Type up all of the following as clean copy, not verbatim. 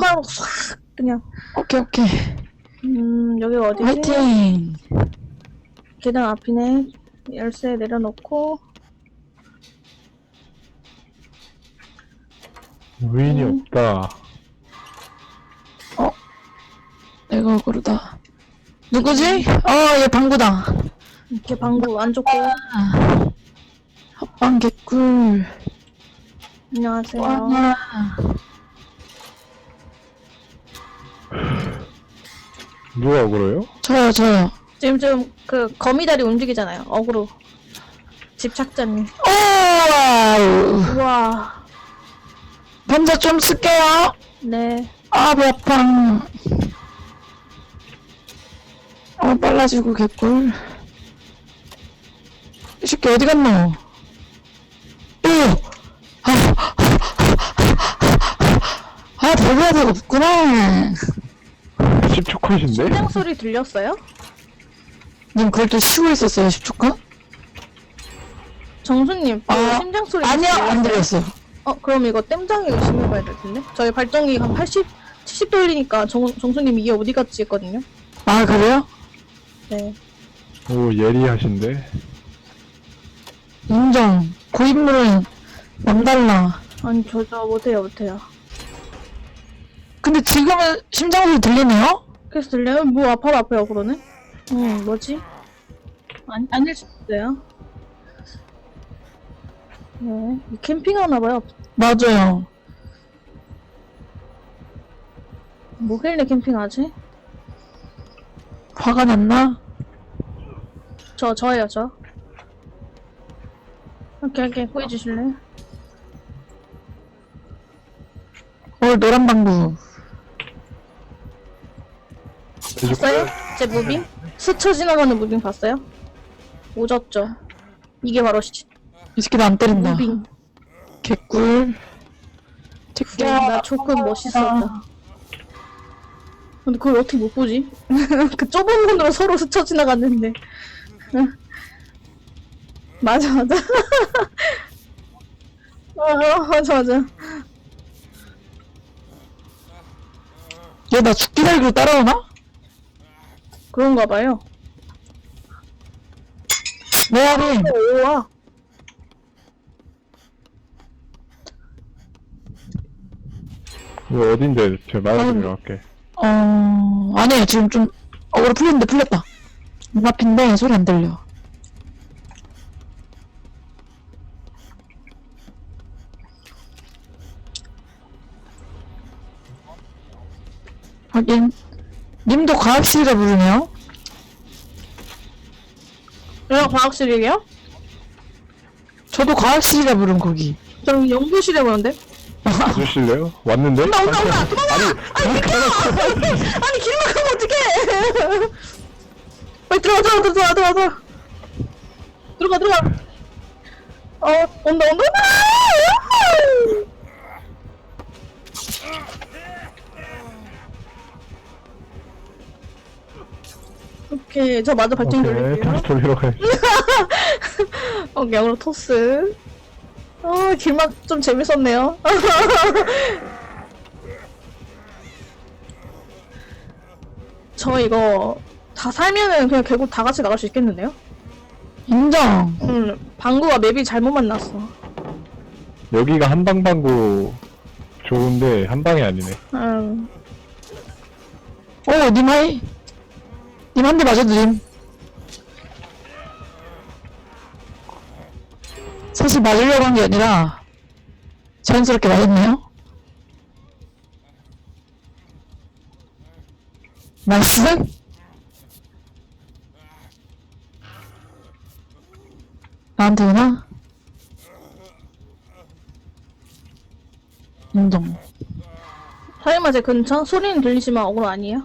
하고 싹 그냥. 오케이, 오케이. 여기가 어디지? 화이팅! 계단 앞이네. 열쇠 내려놓고. 무인이 없다. 내가 억울하다. 누구지? 얘 방구다. 이렇게 방구 안 좋고. 합방 개꿀. 안녕하세요. 와. 누가 억울해요? 저요. 지금 좀 그 거미다리 움직이잖아요. 어그로. 집착자님. 오! 우와. 밤새 좀 쓸게요. 네. 배 아파. 빨라지고 개꿀. 이 새끼 어디 갔노? 대비할 데가 없구나. 10초 컷인데? 심장 소리 들렸어요? 님 그걸 또 쉬고 있었어요, 10초간? 정수님, 심장 소리 아니야, 들렸어요? 안 들렸어. 그럼 이거 땜장이 의심해봐야 될 텐데? 저희 발정이 한 80, 70 돌리니까 정수님 이게 어디 갔지 했거든요? 아, 그래요? 네. 오, 예리하신데? 인정. 고인물은 남달라. 아니, 저 못해요. 근데 지금은 심장소리 들리네요? 그래서 들려요? 뭐 아파요, 그러네? 뭐지? 아닐 수 있어요. 네. 캠핑하나봐요. 맞아요. 뭐길래 캠핑하지? 화가 났나? 저예요, 저. 오케이, 보여주실래요? 노란 방구. 봤어요? 제 무빙? 스쳐 지나가는 무빙 봤어요? 오졌죠. 이게 바로 이 새끼 나 안 때린다. 무빙. 개꿀. 나 조금 멋있었다. 근데 그걸 어떻게 못 보지? 그 좁은 문으로 서로 스쳐 지나갔는데. 맞아. 맞아. 얘 나 죽기 살기로 따라오나? 그런가 봐요. 메아리. 오와. 이거 어딘데? 제가 말해드리러 갈게. 아니에요. 지금 좀 억울해 풀렸는데 풀렸다. 눈 앞인데 소리 안 들려. 하긴 님도 과학실이라 부르네요. 여기가 과학실이에요? 저도 과학실이라 부른 거기. 저는 연구실에 보는데? 와주실래요? 왔는데? 온다! 도망가! 아니, 아니 길 막으면 어떡해! 빨리 들어가! 온다! 오케이, 저 마저 발전 오케이, 돌릴게요. 다시 돌리러 가야지. 영으로 토스. 길막 좀 재밌었네요. 저 이거 다 살면은 그냥 결국 다 같이 나갈 수 있겠는데요? 인정. 방구가 맵이 잘못 만났어. 여기가 한방방구 좋은데, 한방이 아니네. 님 하이. 님 한 대 맞아도 님. 사실 맞으려고 한 게 아니라 자연스럽게 맞았네요. 나이스. 나한테 오나? 인정. 설마 제 근처? 소리는 들리지만 억울 아니에요?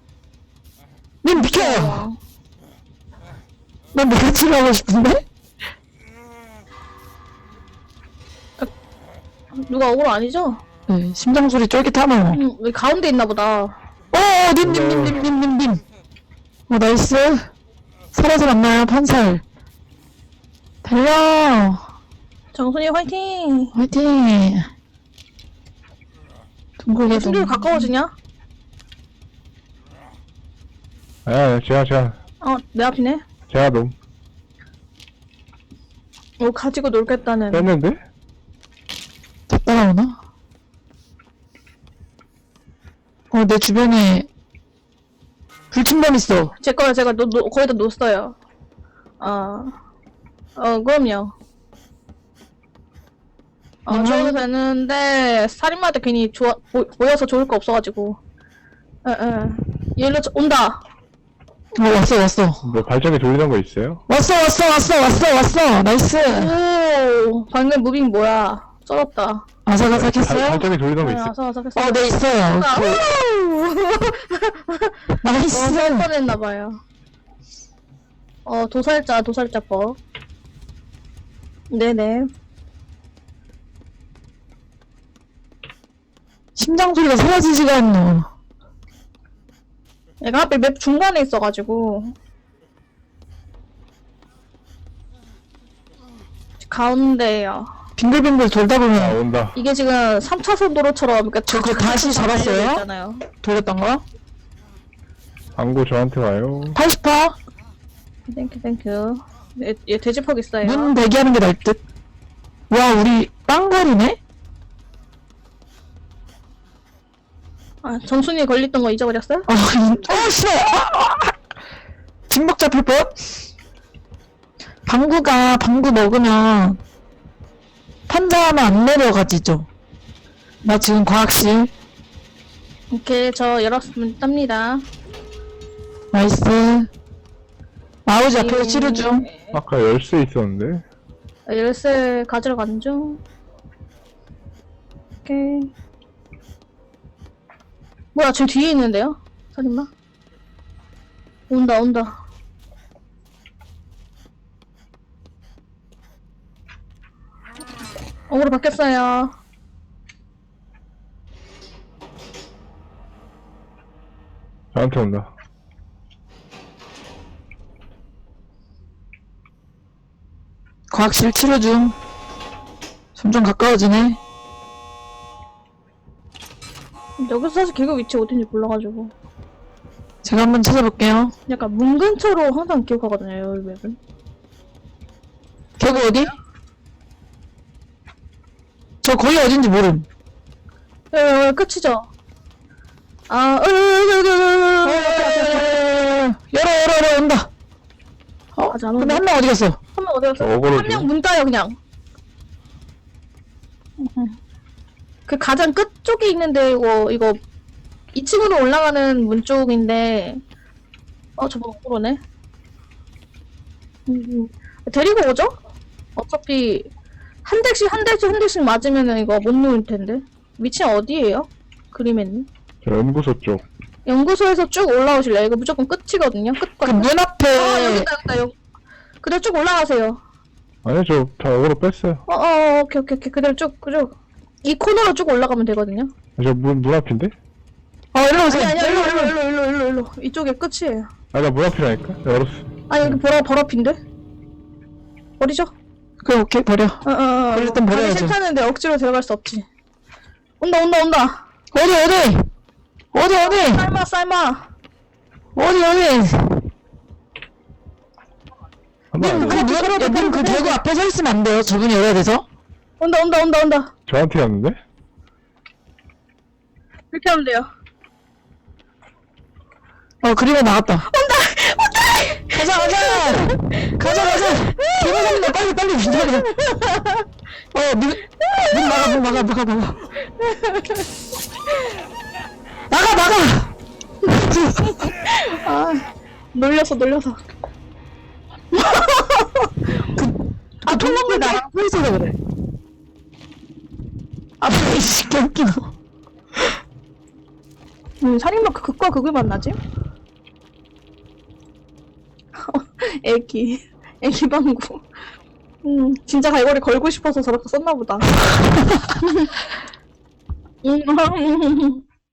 님 비켜요! 난 내가 치료하고 싶은데? 누가 억울 아니죠? 네, 심장 소리 쫄깃하노. 여기 가운데 있나 보다. 님. 나이스. 살아서 만나요, 판살. 달려. 정순이 화이팅! 화이팅. 둥글게 충격이 가까워지냐? 아, 제가 내 앞이네. 놈 가지고 놀겠다는. 뺐는데? 다 따라오나? 내 주변에 불침범 있어. 제 거야, 제가 거의 다 놓았어요. 그럼요. 저도 되는데, 살인마한테 괜히 보여서 좋을 거 없어가지고. 얘로 온다. 왔어. 뭐 발전기 돌리는 거 있어요? 왔어. 나이스. 오, 방금 무빙 뭐야. 쩔었다. 아삭아삭했어요? 발전기 돌리는 거 있어요? 아삭아삭했어. 네, 있어요. 나이스. 할 뻔했나봐요. 도살자법. 네네. 심장 소리가 사라지지가 않노. 얘가 하필 맵 중간에 있어가지고. 가운데요. 빙글빙글 돌다 아, 보면 온다. 이게 지금 3차선 도로처럼 그러니까 저거 다시 잡았어요? 있잖아요. 돌렸던 거? 광고 저한테 와요. 80%? 땡큐. 얘 돼지퍽 있어요. 문 대기하는 게 나을 듯. 와, 우리 빵거리네? 정순이 걸렸던 거 잊어버렸어요? 싫어! 진목 잡힐 뻔? 방구 먹으면 판자하면 안 내려가지죠. 나 지금 과학실. 오케이, 저 열었으면 땁니다. 나이스. 마우지 앞에서 치료 중. 아까 열쇠 있었는데? 열쇠 가지러 가는 중. 오케이. 뭐야, 지금 뒤에 있는데요? 살인마? 온다. 어그로 바뀌었어요. 저한테 온다. 과학실 치료 중. 점점 가까워지네. 여기서 사실 개그 위치 어딘지 몰라가지고. 제가 한번 찾아볼게요. 약간 문 근처로 항상 기억하거든요, 여기 맵은. 개구 어디? 저 거기 어딘지 모름. 끝이죠? 열어, 온다. 아직 안 근데 오네. 한 명 어디 갔어? 한 명 어디 갔어? 어그로지. 한 명 문 따요, 그냥. 그 가장 끝 쪽에 있는데, 이거 2층으로 올라가는 문 쪽인데, 저거 어그로네. 데리고 오죠? 어차피, 한 대씩 맞으면은 이거 못 누울 텐데. 위치는 어디에요? 그림에는? 저 연구소 쪽. 연구소에서 쭉 올라오실래요? 이거 무조건 끝이거든요? 그 끝까지. 문 앞에. 여기다. 그대로 쭉 올라가세요. 아니, 저 다 어그로 뺐어요. 오케이. 그대로 쭉. 이 코너로 쭉 올라가면 되거든요? 저 문 앞인데? 일로 오세요. 아니, 일로. 이쪽에 끝이에요. 아, 나 문 앞이라니까? 열었어. 여기 버럭인데? 버리죠? 그래, 오케이, 버려. 그럴 땐 버려야죠. 가기 싫다는데 억지로 들어갈 수 없지. 온다. 어디? 삶아. 어디? 한번 문 대구 앞에 서 있으면 안 돼요. 저분이 열어야 돼서. 온다. 저한테 왔는데? 이렇게 하면 돼요. 그리고 나갔다. 온다! 가자! 개무섭네, 빨리 기다려. 문 막아. 나가! 놀려서. 통로에 나랑 서 있어서 그래. 이씨, 개웃기노. 살인마 극과 극을 만나지? 애기 방구. 진짜 갈고리 걸고 싶어서 저렇게 썼나보다.